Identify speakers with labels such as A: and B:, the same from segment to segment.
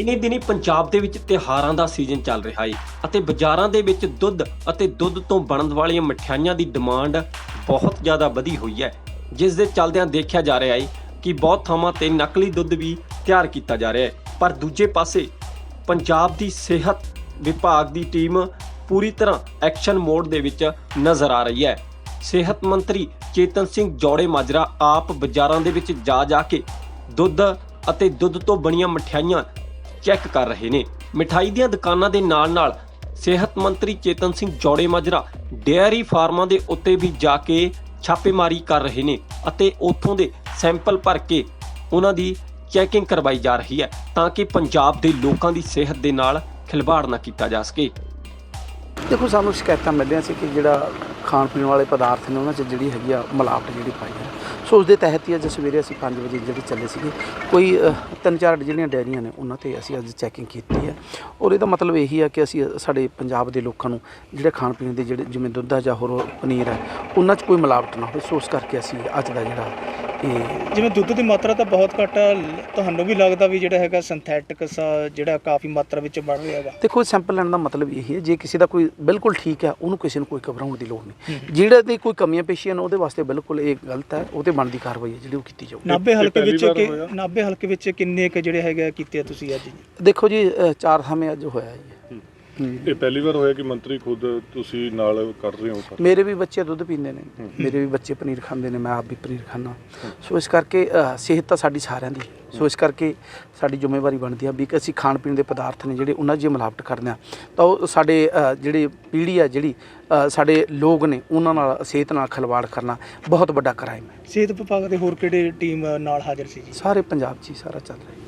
A: ਦਿਨੀ ਪੰਜਾਬ ਦੇ ਵਿੱਚ ਤਿਉਹਾਰਾਂ ਦਾ ਸੀਜ਼ਨ ਚੱਲ ਰਿਹਾ ਹੈ ਅਤੇ ਬਾਜ਼ਾਰਾਂ ਦੇ ਵਿੱਚ ਦੁੱਧ ਅਤੇ ਦੁੱਧ ਤੋਂ ਬਣਨ ਵਾਲੀਆਂ ਮਠਿਆਈਆਂ ਦੀ ਡਿਮਾਂਡ ਬਹੁਤ ਜ਼ਿਆਦਾ ਵਧੀ ਹੋਈ ਹੈ, ਜਿਸ ਦੇ ਚੱਲਦਿਆਂ ਦੇਖਿਆ ਜਾ ਰਿਹਾ ਹੈ ਕਿ ਬਹੁਤ ਥਾਵਾਂ ਤੇ ਨਕਲੀ ਦੁੱਧ ਵੀ ਤਿਆਰ ਕੀਤਾ ਜਾ ਰਿਹਾ ਹੈ। ਪਰ ਦੂਜੇ ਪਾਸੇ ਪੰਜਾਬ ਦੀ ਸਿਹਤ ਵਿਭਾਗ ਦੀ ਟੀਮ ਪੂਰੀ ਤਰ੍ਹਾਂ ਐਕਸ਼ਨ ਮੋਡ ਦੇ ਵਿੱਚ ਨਜ਼ਰ ਆ ਰਹੀ ਹੈ। ਸਿਹਤ ਮੰਤਰੀ ਚੇਤਨ ਸਿੰਘ ਜੌੜੇ ਮਾਜਰਾ ਆਪ ਬਾਜ਼ਾਰਾਂ ਦੇ ਵਿੱਚ ਜਾ ਕੇ ਦੁੱਧ ਅਤੇ ਦੁੱਧ ਤੋਂ ਬਣੀਆਂ ਮਠਿਆਈਆਂ ਚੈੱਕ ਕਰ ਰਹੇ ਨੇ। ਮਿਠਾਈ ਦੀਆਂ ਦੁਕਾਨਾਂ ਦੇ ਨਾਲ-ਨਾਲ ਸਿਹਤ ਮੰਤਰੀ ਚੇਤਨ ਸਿੰਘ ਜੌੜੇ ਮਾਜਰਾ ਡੇਅਰੀ ਫਾਰਮਾਂ ਦੇ ਉੱਤੇ ਵੀ ਜਾ ਕੇ ਛਾਪੇਮਾਰੀ ਕਰ ਰਹੇ ਨੇ ਅਤੇ ਉੱਥੋਂ ਦੇ ਸੈਂਪਲ ਭਰ ਕੇ ਉਹਨਾਂ ਦੀ ਚੈਕਿੰਗ ਕਰਵਾਈ ਜਾ ਰਹੀ ਹੈ ਤਾਂ ਕਿ ਪੰਜਾਬ ਦੇ ਲੋਕਾਂ ਦੀ ਸਿਹਤ ਦੇ ਨਾਲ ਖਿਲਵਾੜ ਨਾ ਕੀਤਾ ਜਾ ਸਕੇ।
B: ਦੇਖੋ, ਸਾਨੂੰ ਸ਼ਿਕਾਇਤਾਂ ਮਿਲੀਆਂ ਸੀ ਕਿ ਜਿਹੜਾ ਖਾਣ ਪੀਣ ਵਾਲੇ ਪਦਾਰਥ ਨੇ ਉਹਨਾਂ 'ਚ ਜਿਹੜੀ ਹੈਗੀ ਆ ਮਿਲਾਵਟ ਜਿਹੜੀ ਪਾਈ ਹੈ। ਸੋ ਉਸ ਦੇ ਤਹਿਤ ਹੀ ਅੱਜ ਸਵੇਰੇ ਅਸੀਂ 5 ਵਜੇ ਜਿਹੜੇ ਚੱਲੇ ਸੀਗੇ, ਕੋਈ 3-4 ਜਿਹੜੀਆਂ ਡੈਰੀਆਂ ਨੇ ਉਹਨਾਂ 'ਤੇ ਅਸੀਂ ਅੱਜ ਚੈਕਿੰਗ ਕੀਤੀ ਹੈ। ਔਰ ਇਹਦਾ ਮਤਲਬ ਇਹੀ ਆ ਕਿ ਅਸੀਂ ਸਾਡੇ ਪੰਜਾਬ ਦੇ ਲੋਕਾਂ ਨੂੰ ਜਿਹੜੇ ਖਾਣ ਪੀਣ ਦੇ ਜਿਹੜੇ ਜਿਵੇਂ ਦੁੱਧ ਆ ਜਾਂ ਹੋਰ ਪਨੀਰ ਹੈ ਉਹਨਾਂ 'ਚ ਕੋਈ ਮਿਲਾਵਟ ਨਾ ਹੋਵੇ। ਸੋ ਉਸ ਕਰਕੇ ਅਸੀਂ ਅੱਜ ਦਾ ਜਿਹੜਾ
C: ਜਿਵੇਂ ਦੁੱਧ ਦੀ ਮਾਤਰਾ ਤਾਂ ਬਹੁਤ ਘੱਟ ਆ, ਤੁਹਾਨੂੰ ਵੀ ਲੱਗਦਾ ਵੀ ਜਿਹੜਾ ਹੈਗਾ ਸਿੰਥੈਟਿਕ ਜਿਹੜਾ ਕਾਫੀ ਮਾਤਰਾ ਵਿੱਚ ਬਣ ਰਿਹਾ ਹੈਗਾ?
B: ਦੇਖੋ, ਸੈਂਪਲ ਲੈਣ ਦਾ ਮਤਲਬ ਇਹ ਹੈ ਜੇ ਕਿਸੇ ਦਾ ਕੋਈ ਬਿਲਕੁਲ ਠੀਕ ਹੈ ਉਹਨੂੰ ਕਿਸੇ ਨੂੰ ਕੋਈ ਘਬਰਾਉਣ ਦੀ ਲੋੜ ਨਹੀਂ। ਜਿਹੜੇ ਦੀ ਕੋਈ ਕਮੀਆਂ ਪੇਸ਼ੀਆਂ ਨੇ ਉਹਦੇ ਵਾਸਤੇ ਬਿਲਕੁਲ ਇਹ ਗਲਤ ਹੈ, ਉਹਦੇ ਬਣਦੀ ਕਾਰਵਾਈ ਹੈ ਜਿਹੜੀ ਉਹ ਕੀਤੀ ਜਾਊਗੀ।
C: ਨਾਭੇ ਹਲਕੇ ਵਿੱਚ ਕਿੰਨੇ ਕੁ ਜਿਹੜੇ ਹੈਗਾ ਕੀਤੇ ਤੁਸੀਂ ਅੱਜ?
B: ਦੇਖੋ ਜੀ, 4 ਥਾਵੇਂ ਅੱਜ ਹੋਇਆ ਜੀ।
D: ਇਹ ਪਹਿਲੀ ਵਾਰ ਹੋਇਆ ਕਿ ਮੰਤਰੀ ਖੁਦ ਤੁਸੀਂ ਨਾਲ ਕਰ ਰਹੇ ਹੋ?
B: ਮੇਰੇ ਵੀ ਬੱਚੇ ਦੁੱਧ ਪੀਂਦੇ ਨੇ, ਮੇਰੇ ਵੀ ਬੱਚੇ ਪਨੀਰ ਖਾਂਦੇ ਨੇ, ਮੈਂ ਆਪ ਵੀ ਪਨੀਰ ਖਾਂਦਾ। ਸੋ ਇਸ ਕਰਕੇ ਸਿਹਤ ਤਾਂ ਸਾਡੀ ਸਾਰਿਆਂ ਦੀ, ਸੋ ਇਸ ਕਰਕੇ ਸਾਡੀ ਜ਼ਿੰਮੇਵਾਰੀ ਬਣਦੀ ਆ ਵੀ ਕਿ ਅਸੀਂ ਖਾਣ ਪੀਣ ਦੇ ਪਦਾਰਥ ਨੇ ਜਿਹੜੇ ਉਹਨਾਂ 'ਚ ਮਿਲਾਵਟ ਕਰਦੇ ਹਾਂ ਤਾਂ ਉਹ ਸਾਡੇ ਜਿਹੜੀ ਪੀੜ੍ਹੀ ਆ, ਜਿਹੜੀ ਸਾਡੇ ਲੋਕ ਨੇ, ਉਹਨਾਂ ਨਾਲ ਸਿਹਤ ਨਾਲ ਖਿਲਵਾੜ ਕਰਨਾ ਬਹੁਤ ਵੱਡਾ ਕ੍ਰਾਈਮ ਹੈ।
C: ਸਿਹਤ ਵਿਭਾਗ ਦੇ ਹੋਰ ਕਿਹੜੇ ਟੀਮ ਨਾਲ ਹਾਜ਼ਰ ਸੀ ਜੀ?
B: ਸਾਰੇ ਪੰਜਾਬ 'ਚ ਹੀ ਸਾਰਾ ਚੱਲ ਰਿਹਾ।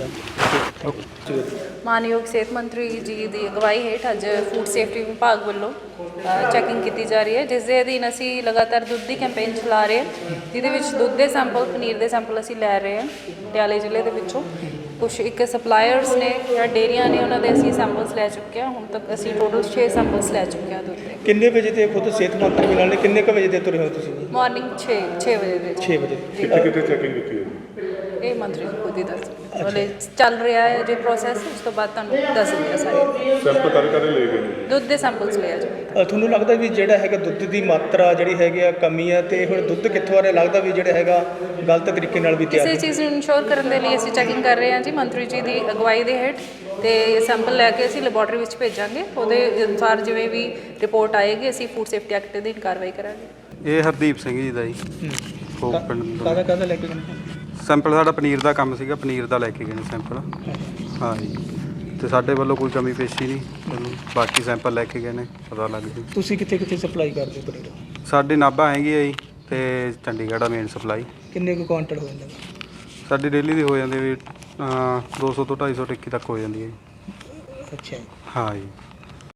E: ਮਾਨਯੋਗ ਸਿਹਤ ਮੰਤਰੀ ਜੀ ਦੀ ਅਗਵਾਈ ਹੇਠ ਅੱਜ ਫੂਡ ਸੇਫਟੀ ਵਿਭਾਗ ਵੱਲੋਂ ਚੈਕਿੰਗ ਕੀਤੀ ਜਾ ਰਹੀ ਹੈ, ਜਿਸ ਦੇ ਅਧੀਨ ਅਸੀਂ ਲਗਾਤਾਰ ਦੁੱਧ ਦੀ ਕੈਂਪੇਨ ਚਲਾ ਰਹੇ ਹਾਂ, ਜਿਹਦੇ ਵਿੱਚ ਦੁੱਧ ਦੇ ਸੈਂਪਲ, ਪਨੀਰ ਦੇ ਸੈਂਪਲ ਅਸੀਂ ਲੈ ਰਹੇ ਹਾਂ ਪਟਿਆਲੇ ਜ਼ਿਲ੍ਹੇ ਦੇ ਵਿੱਚੋਂ। ਕੁਛ ਇੱਕ ਸਪਲਾਇਰਸ ਨੇ ਜਾਂ ਡੇਅਰੀਆਂ ਨੇ, ਉਹਨਾਂ ਦੇ ਅਸੀਂ ਸੈਂਪਲਸ ਲੈ ਚੁੱਕੇ ਹਾਂ। ਹੁਣ ਤੱਕ ਅਸੀਂ ਟੋਟਲ 6 ਸੈਂਪਲਸ ਲੈ ਚੁੱਕੇ ਹਾਂ ਦੁੱਧ ਦੇ।
C: ਕਿੰਨੇ ਵਜੇ ਤੇ ਖੁਦ ਸਿਹਤ ਮੰਤਰੀ ਮਿਲਣ ਲਈ ਕਿੰਨੇ ਕੁ ਵਜੇ ਦੇ ਤੁਰੇ ਹੋ ਤੁਸੀਂ?
E: ਮਾਰਨਿੰਗ 6 ਵਜੇ ਦੇ।
C: 6 ਵਜੇ
D: ਕਿੱਥੇ ਚੈਕਿੰਗ ਕੀਤੀ ਹੈ?
E: ਇਹ ਮੰਤਰੀ ਜੀ ਖੁਦ ਹੀ ਦੱਸ ਵਾਲੇ ਚੱਲ ਰਿਹਾ ਹੈ ਜੇ ਪ੍ਰੋਸੈਸ, ਉਸ ਤੋਂ ਬਾਅਦ ਤੁਹਾਨੂੰ ਦੱਸ ਦਿੰਦੇ ਆ ਸਾਰੇ।
D: ਸੈਂਪਲ ਕਦੇ ਲੈ ਗਏ ਨੇ?
E: ਦੁੱਧ ਦੇ ਸੈਂਪਲਸ ਲਿਆ ਜੀ।
C: ਤੁਹਾਨੂੰ ਲੱਗਦਾ ਵੀ ਜਿਹੜਾ ਹੈਗਾ ਦੁੱਧ ਦੀ ਮਾਤਰਾ ਜਿਹੜੀ ਹੈਗੀ ਆ ਕਮੀ ਆ, ਤੇ ਹੁਣ ਦੁੱਧ ਕਿੱਥੋਂ ਆ ਰਿਹਾ? ਲੱਗਦਾ ਵੀ ਜਿਹੜਾ ਹੈਗਾ ਗਲਤ ਤਰੀਕੇ ਨਾਲ ਵੀ ਤਿਆਰ
E: ਕਿਸੇ ਚੀਜ਼ ਨੂੰ ਇਨਸ਼ੋਰ ਕਰਨ ਦੇ ਲਈ ਅਸੀਂ ਚੈਕਿੰਗ ਕਰ ਰਹੇ ਹਾਂ ਜੀ ਮੰਤਰੀ ਜੀ ਦੀ ਅਗਵਾਈ ਦੇ ਹੇਠ, ਤੇ ਸੈਂਪਲ ਲੈ ਕੇ ਅਸੀਂ ਲੈਬੋਰਟਰੀ ਵਿੱਚ ਭੇਜਾਂਗੇ। ਉਹਦੇ ਅਨੁਸਾਰ ਜਿਵੇਂ ਵੀ ਰਿਪੋਰਟ ਆਏਗੀ ਅਸੀਂ ਫੂਡ ਸੇਫਟੀ ਐਕਟ ਦੀ ਕਾਰਵਾਈ ਕਰਾਂਗੇ।
F: ਇਹ ਹਰਦੀਪ ਸਿੰਘ ਜੀ ਦਾ ਜੀ, ਹੋਪ ਪਿੰਡ ਤੋਂ।
C: ਕਾਹਦਾ ਲੈ ਕੇ ਗਏ?
F: ਸੈਂਪਲ ਸਾਡਾ ਪਨੀਰ ਦਾ ਕੰਮ ਸੀਗਾ, ਪਨੀਰ ਦਾ ਲੈ ਕੇ ਗਏ ਨੇ ਸੈਂਪਲ। ਹਾਂ ਜੀ, ਤੇ ਸਾਡੇ ਵੱਲੋਂ ਕੋਈ ਕਮੀ ਪੇਸ਼ੀ ਨਹੀਂ, ਬਾਕੀ ਸੈਂਪਲ ਲੈ ਕੇ ਗਏ ਨੇ, ਪਤਾ ਲੱਗ ਜੀ।
C: ਤੁਸੀਂ ਕਿੱਥੇ ਸਪਲਾਈ ਕਰਦੇ ਹੋ ਪਨੀਰ?
F: ਸਾਡੀ ਨਾਭਾ ਹੈਗੀ ਹੈ ਜੀ, ਤੇ ਚੰਡੀਗੜ੍ਹ ਆ ਮੇਨ ਸਪਲਾਈ।
C: ਕਿੰਨੇ ਕੁ ਕੁਆਂਟਲ ਹੋ ਜਾਂਦਾ?
F: ਸਾਡੀ ਡੇਲੀ ਦੀ ਹੋ ਜਾਂਦੀ ਵੀ 200 ਤੋਂ 250 ਟਿੱਕੀ ਤੱਕ ਹੋ ਜਾਂਦੀ ਹੈ ਜੀ।
C: ਅੱਛਾ।
F: ਹਾਂ ਜੀ।